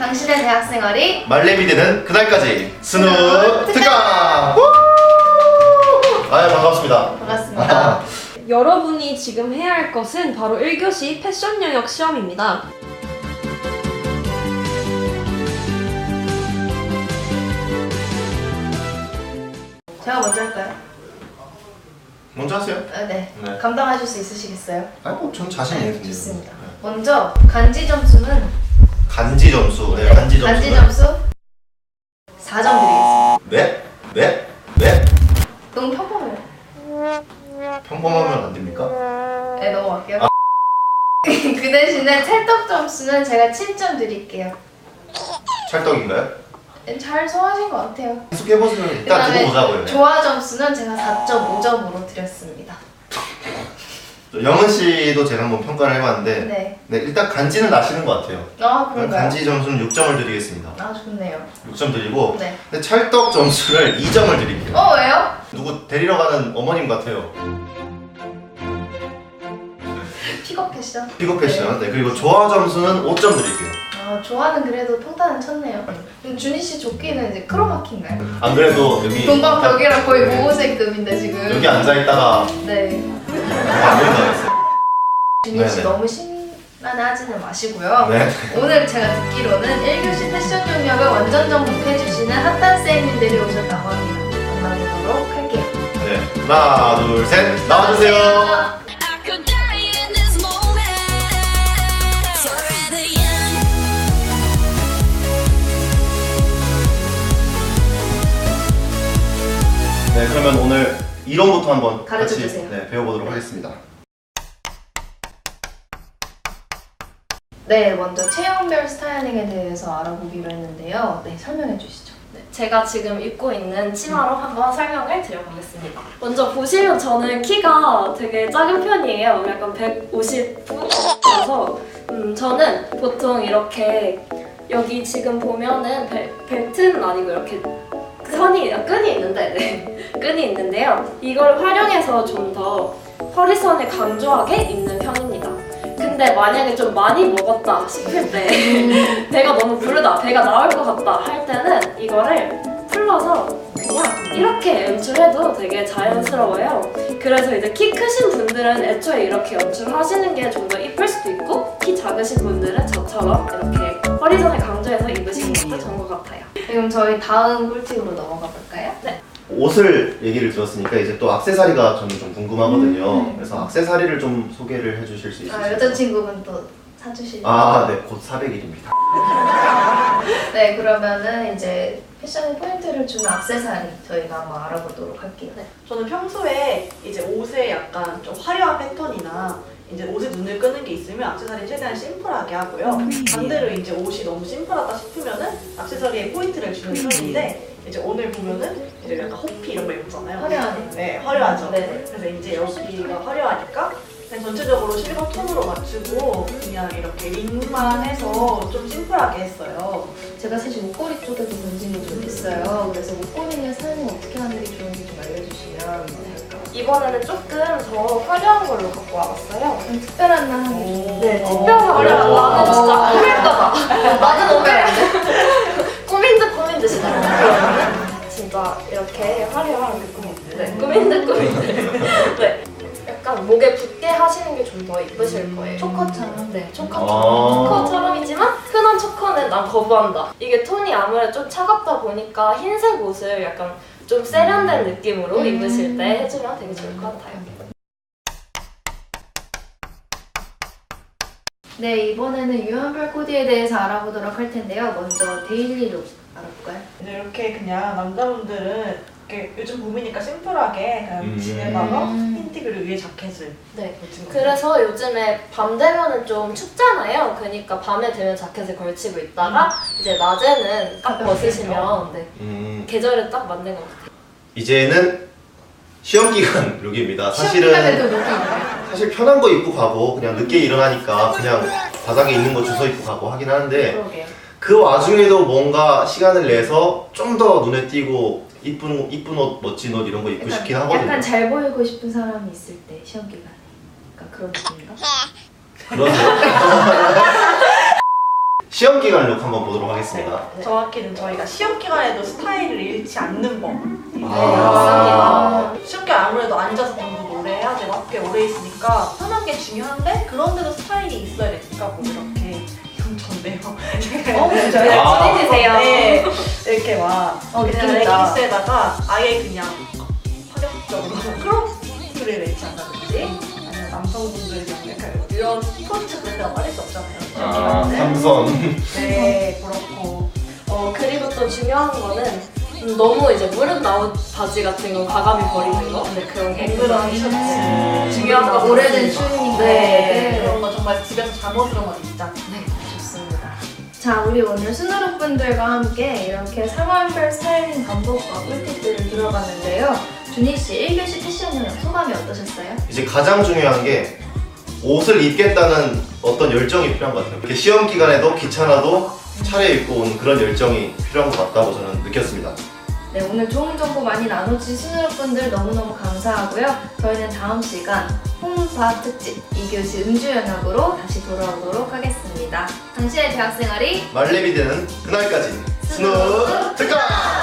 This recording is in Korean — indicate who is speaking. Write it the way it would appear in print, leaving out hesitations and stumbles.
Speaker 1: 당신의 대학생활이
Speaker 2: 말레미 되는 그날까지 스누 특강! 아 반갑습니다.
Speaker 1: 반갑습니다.
Speaker 3: 여러분이 지금 해야 할 것은 바로 1교시 패션 영역 시험입니다.
Speaker 1: 제가 먼저 할까요?
Speaker 2: 먼저 하세요.
Speaker 1: 네.
Speaker 2: 네.
Speaker 1: 감당하실 수 있으시겠어요?
Speaker 2: 전 자신 있습니다.
Speaker 1: 좋습니다. 먼저 간지 점수는
Speaker 2: 간지 점수. 네, 간지 점수.
Speaker 1: 간지 점수 4점 드리겠습니다.
Speaker 2: 네? 네? 네?
Speaker 1: 너무 평범해요.
Speaker 2: 평범하면 안 됩니까?
Speaker 1: 네, 넘어갈게요. 그 대신에 찰떡 점수는 제가 7점 드릴게요.
Speaker 2: 찰떡인가요?
Speaker 1: 잘 소화하신 것 같아요.
Speaker 2: 계속 해보시면 일단
Speaker 1: 그다음에
Speaker 2: 두고 보자고요.
Speaker 1: 조화 점수는 제가 4.5점으로 드렸습니다.
Speaker 2: 영은 씨도 제가 한번 평가를 해봤는데
Speaker 1: 네.
Speaker 2: 네, 일단 간지는 나시는 것 같아요.
Speaker 1: 아, 그런가요?
Speaker 2: 간지 점수는 6점을 드리겠습니다.
Speaker 1: 아, 좋네요.
Speaker 2: 6점 드리고
Speaker 1: 네.
Speaker 2: 근데 찰떡 점수를 2점을 드릴게요.
Speaker 1: 왜요?
Speaker 2: 누구 데리러 가는 어머님 같아요.
Speaker 1: 픽업 패션?
Speaker 2: 픽업 패션. 네, 그리고 조화 점수는 5점 드릴게요.
Speaker 1: 아, 조화는 그래도 평타는 쳤네요. 그럼 준희 씨 조끼는 이제 크로마키인가요?
Speaker 2: 안 그래도 여기
Speaker 1: 동방벽이랑 거의 모호색급인데 지금.
Speaker 2: 여기 앉아있다가
Speaker 1: 네.
Speaker 2: 안 보인다
Speaker 1: 준희 씨
Speaker 2: 네네.
Speaker 1: 너무 심란하지는 마시고요.
Speaker 2: 네.
Speaker 1: 오늘 제가 듣기로는 1교시 패션 영역을 완전 정복해주시는 핫한 쌤님들이 오셨다고 합니다. 만나보도록 할게요.
Speaker 2: 네. 하나, 둘, 셋. 나와주세요. 네, 그러면 오늘 이론부터 한번 같이
Speaker 1: 가르쳐주세요.
Speaker 2: 네, 배워보도록 하겠습니다.
Speaker 1: 네, 먼저 체형별 스타일링에 대해서 알아보기로 했는데요. 네, 설명해 주시죠.
Speaker 3: 제가 지금 입고 있는 치마로 한번 설명을 드려보겠습니다. 먼저 보시면 저는 키가 되게 작은 편이에요. 약간 150라서 저는 보통 이렇게 여기 지금 보면은 벨트는 아니고 이렇게 끈이 있는데 네. 끈이 있는데요. 이걸 활용해서 좀 더 허리선을 강조하게 입는 편입니다. 근데 만약에 좀 많이 먹었다 싶을 때 배가 너무 부르다, 배가 나올 것 같다 할 때는 이거를 풀러서 그냥 이렇게 연출해도 되게 자연스러워요. 그래서 이제 키 크신 분들은 애초에 이렇게 연출하시는 게 좀 더 이쁠 수도 있고 키 작으신 분들은 저처럼 이렇게 허리선을 강조해서 입으시는 것도 좋은 것 같아요.
Speaker 1: 그럼 저희 다음 꿀팁으로 넘어가 볼까요?
Speaker 3: 네.
Speaker 2: 옷을 얘기를 들었으니까 이제 또 액세서리가 저는 좀 궁금하거든요. 그래서 액세서리를 좀 소개를 해주실 수 있으실까요?
Speaker 1: 여자친구분 또 사주시려고.
Speaker 2: 아, 네. 곧 400일입니다.
Speaker 1: 네, 그러면은 이제 패션의 포인트를 주는 액세서리 저희가 한번 알아보도록 할게요.
Speaker 3: 네.
Speaker 4: 저는 평소에 이제 옷에 약간 좀 화려한 패턴이나 이제 옷에 눈을 끄는 게 있으면 액세서리 최대한 심플하게 하고요. 반대로 이제 옷이 너무 심플하다 싶으면은 액세서리에 포인트를 주는 편인데 이제 오늘 보면은 이제 약간 호피 이런 거 입잖아요.
Speaker 1: 화려하네.
Speaker 4: 네, 화려하죠.
Speaker 1: 네.
Speaker 4: 그래서 이제 여기가 화려하니까 그냥 전체적으로 실버 톤으로 맞추고 그냥 이렇게 링만 해서 좀 심플하게 했어요.
Speaker 1: 제가 사실 목걸이 쪽에도 관심이 좀 있어요. 그래서 목걸이는 사용을 어떻게 하는 게 좋은지 좀 알려주시면 될까요?
Speaker 3: 이번에는 조금 더 화려한 걸로 갖고 와봤어요.
Speaker 1: 좀 특별한 날 하는 게 좋은데.
Speaker 3: 네, 특별한 화려한 나는 진짜 꾸밀까봐. 나는 오늘 꾸민 듯이 그러면은 진짜 이렇게 화려한 꾸민 듯. 네. 약간 목에 붙게 하시는 게 좀 더 이쁘실 거예요.
Speaker 1: 초커처럼.
Speaker 3: 네, 초커처럼이지만 흔한 초커는 난 거부한다. 이게 톤이 아무래도 좀 차갑다 보니까 흰색 옷을 약간 좀 세련된 느낌으로 입으실 때 해주면 되게 좋을 것 같아요.
Speaker 1: 네, 이번에는 유연발 코디에 대해서 알아보도록 할 텐데요. 먼저 데일리룩 알아볼까요?
Speaker 4: 이제 이렇게 그냥 남자분들은 이렇게 요즘 봄이니까 심플하게 그냥 지내다가 흰티 그리고 위에 자켓을
Speaker 3: 네.
Speaker 4: 걸친 거예요.
Speaker 3: 그래서 요즘에 밤 되면은 좀 춥잖아요. 그러니까 밤에 되면 자켓을 걸치고 있다가 이제 낮에는 딱
Speaker 1: 가볍게
Speaker 3: 벗으시면 네. 계절에 딱 맞는 것 같아요.
Speaker 2: 이제는 시험 기간 룩입니다.
Speaker 1: 시험기간에도
Speaker 2: 사실은
Speaker 1: 룩이 있나요?
Speaker 2: 사실 편한 거 입고 가고 그냥 늦게 일어나니까 그냥 바닥에 있는 거 주워 입고 가고 하긴 하는데
Speaker 1: 그러게요.
Speaker 2: 그 와중에도 뭔가 시간을 내서 좀 더 눈에 띄고 이쁜 옷, 멋진 옷 이런 거 입고 싶긴 하거든요.
Speaker 1: 약간 잘 보이고 싶은 사람이 있을 때 시험기간에. 그러니까 그런 느낌인가?
Speaker 2: 그러세요? 시험 기간 룩 한번 보도록 하겠습니다.
Speaker 4: 정확히는 저희가 시험 기간에도 스타일을 잃지 않는 법.
Speaker 2: 아.
Speaker 4: 시험 기간 아무래도 앉아서 공부도 오래 해야 되고 학교에 오래 있으니까 편한 게 중요한데 그런데도 스타일이 있어야 되니까 뭐 이렇게 이건 전데요.
Speaker 1: 진짜요?
Speaker 2: 아.
Speaker 3: 찐이세요.
Speaker 4: 네, 이렇게 막 그냥
Speaker 1: 느낌있다.
Speaker 4: 레깅스에다가 아예 그냥 파격적으로 크롭을 매치 한다든지 아니면 남성분들이 약간 이런 스포츠 브랜드가 빠질 수 없잖아요.
Speaker 2: 아,
Speaker 4: 네.
Speaker 2: 삼선.
Speaker 4: 네, 그렇고
Speaker 3: 그리고 또 중요한 거는 너무 이제 무릎 나온 바지 같은 거 과감히 버리는 거. 네, 그런 게
Speaker 4: 앵그런 티셔츠
Speaker 3: 중요한 거
Speaker 1: 오래된
Speaker 3: 같습니다.
Speaker 1: 추리니까.
Speaker 4: 네, 그런 거 정말 집에서 잠옷으로만 입자.
Speaker 1: 네, 좋습니다. 자, 우리 오늘 스누룩 분들과 함께 이렇게 상황별 스타일링 방법과 꿀팁들을 들어봤는데요. 준희 씨 1교시 패션 영역 소감이 어떠셨어요?
Speaker 2: 이제 가장 중요한 게 옷을 입겠다는 어떤 열정이 필요한 것 같아요. 이렇게 시험 기간에도 귀찮아도 차려입고 온 그런 열정이 필요한 것 같다고 저는 느꼈습니다.
Speaker 1: 네, 오늘 좋은 정보 많이 나눠주신 스누룩 분들 너무너무 감사하고요. 저희는 다음 시간 홈파 특집 2교시 음주 영역으로 다시 돌아오도록 하겠습니다. 당신의 대학생활이
Speaker 2: 말레비 되는 그날까지 스누 특강!